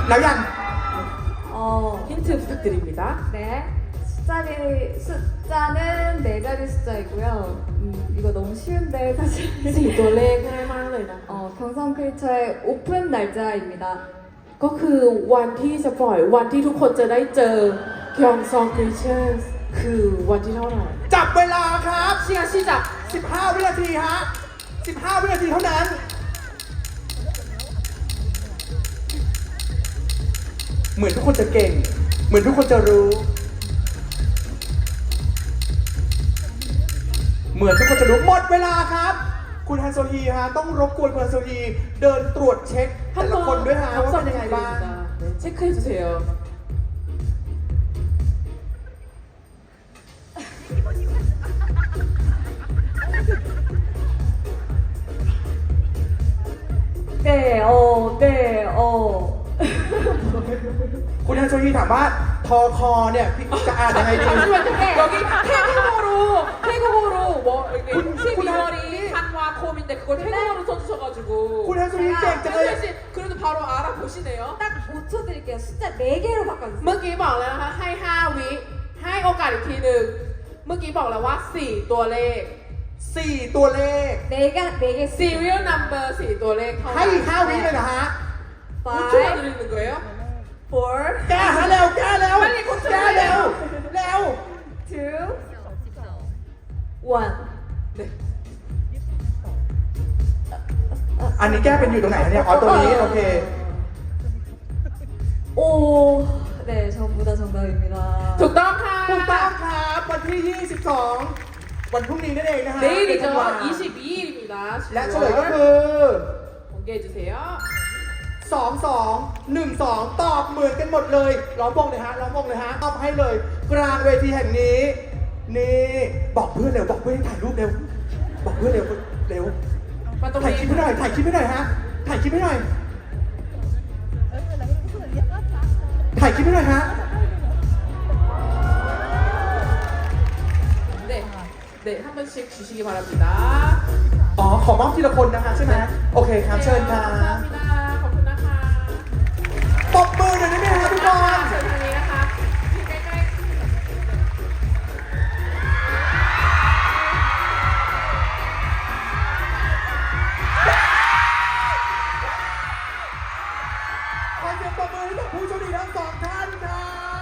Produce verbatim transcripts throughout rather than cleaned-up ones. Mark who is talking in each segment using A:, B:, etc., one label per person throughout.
A: แล้วยัง
B: 어,
C: 힌트 부탁드립니다.
B: 네. 숫자리, 숫자는 네 자리 숫자이고요. 음, 이거 너무 쉬운데 사실.
C: สี่ตัวเลขง่ายมากเลยนะ
B: 어, 경성 크리처의 오픈 날짜입니다.
C: ก็คือวันที่จะปล่อยวันที่ทุกคนจะได้เจอคยองซองคริเชอร์คือวันที่เท่าไหร่
A: จับเวลาครับ
C: 시간 시작
A: สิบห้า วินาทีฮะสิบห้า วินาทีเท่านั้น เหมือนทุกคนจะเก่ง เหมือนทุกคนจะรู้ เหมือนทุกคนจะรู้หมดเวลาครับ คุณฮันโซฮีฮะต้องรบกวนคุณฮันโซฮีเดินตรวจเช็คแต่ละคนด้วยฮะว่าเป็นยังไงบ้าง
C: 네, 체크해 주세요.
B: 네, 어, 네, 어.
A: คุณฮันโซฮีถามว่าทอคอเนี่ยพี่จะอ่านยังไงดี
C: 잠시만요. 여기 태국어로 태국어로 뭐 이게
A: 군-
C: 십이월이 한화콤인데 그걸 태국어로 써주셔가지고
A: คุณฮันโซฮีเก่งจังเลย
C: 현수 씨 그래도 바로 알아보시네요.
B: 딱 오 초 드릴게요. 숫자 네 개로 바꿔주세요.
C: เมื่อกี้บอกแล้วนะคะให้ห้าวิให้โอกาสอีกทีหนึ่งเมื่อกี้บอกแล้วว่าสี่ตัวเลข
A: สี่ตัวเลข
B: 네 개, 네 개.
C: serial number สี่ตัวเลขเท่า
A: ให้
C: นั้น
A: อีกห้าวิเลยนะฮะ
C: 오 초가
B: five,
C: 드리는 거예요?
B: four,
A: แก้ฮะเร็วแก้เร็ว
C: ไม่ได้คุณ
A: แก้เร็วเร็ว
B: two, one.
C: 네.
A: อันนี้แก้เป็นอยู่ตรงไหนเนี่ยอ๋อตัวนี้โอเค
B: 오, 네, 전부 다 정답입니다.
C: ถูกต้องค่ะ
A: ถูกต้องครับวันที่ ยี่สิบสอง วันพรุ่งนี้นั่นเองนะฮะ
C: 내일이죠.
A: ธันวา
C: 이십이일입니다.
A: และเฉลยก็คือ
C: 공개해 주세요.
A: สอง สอง หนึ่ง สอง ตอบเหมือนกันหมดเลยล้อมวงเลยฮะล้อมวงเลยฮะตอบให้เลย กลางเวทีแห่งนี้ นี่บอกเพื่อนเร็วบอกเพื่อนให้ถ่ายรูปเร็ว บอกเพื่อนเร็วเร็ว ถ่ายคลิปให้หน่อย ถ่ายคลิปให้หน่อยฮะ ถ่ายคลิปให้หน่อย ถ่ายคลิปให้หน่อยฮะ
C: 네, 네, 한 번씩 주시기 바랍니다.
A: อ๋อ ขอมอบทีละคนนะคะใช่ไหมโอเคครับ เชิญครับ
C: 감사합니다. 거꾸나카.
A: ปรบมือหน่อยได้ไหมฮะทุกคน
C: เชิญทางนี้นะคะอยู่ใกล้ๆ
A: ขอเสียงปรบมือให้กับผู้โชคดีทั้งสองท่านครับ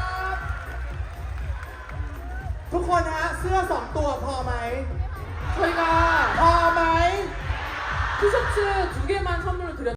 A: ทุกคนฮะ เสื้อสองตัวพอไหม
C: 저희가
A: พอไหม
C: 티셔츠 두 개만 선물로 드렸